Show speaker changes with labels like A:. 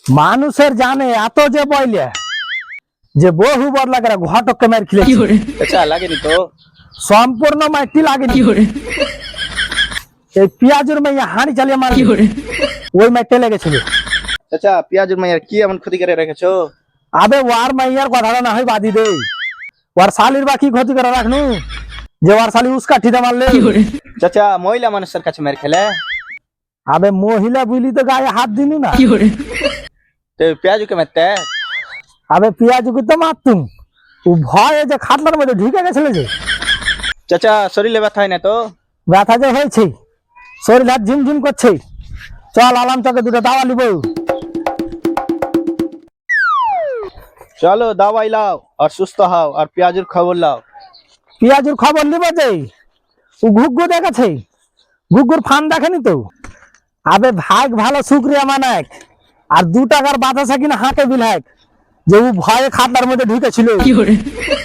A: মানুষের জানে এত যে বইলে যে বহু বদলা করে ঘটককে মার খেলে
B: চাচা লাগেনি তো?
A: সম্পূর্ণ মাইটি লাগেনি। এই পেঁয়াজের মাইয়া হাঁড়ি চালিয়ে মার ওই মাইটে লেগেছিল।
B: চাচা পেঁয়াজুর মাইয়ার কি এমন ক্ষতি করে রেখেছো?
A: আবে ওয়ার মাইয়ার কথাটা না হয় বাদি দে, ওর শালির বা কি ক্ষতি করে রাখনু যে ওর শালি উস্কা ঠিতে মারলে।
B: চাচা মহিলা মানুষের কাছে মেরে খেলে?
A: আবে মহিলা বুঝলি তো গায়ে হাত দিনু না।
B: তো পেঁয়াজুকে মারতে?
A: আবে পেঁয়াজকে তো মারতুম, ও ভয়ে যে খাটলার মধ্যে ঢুকে গেছিল যে।
B: চাচা শরীরে ব্যথা হয় না তো?
A: ব্যথা যে হয়েছে, শরীর হাত ঝিমঝিম করছে। চল আলাম চকে দুটো দাওয়া নিব।
B: চলো দাওয়াই লাও আর সুস্থ হও আর পেঁয়াজুর খবর লাও।
A: পেঁয়াজুর খবর নিব যে ও ঘুগ্গু দেখাছে, ঘুগ্গুর ফান দেখেনি তো। আবে ভাগ ভালো শুক্রিয়া মানাক আর 2 টাকার বাতাসা কিনা হাঁকে বিলাক যে ও ভয়ে খাটলার মধ্যে ঢুকেছিল।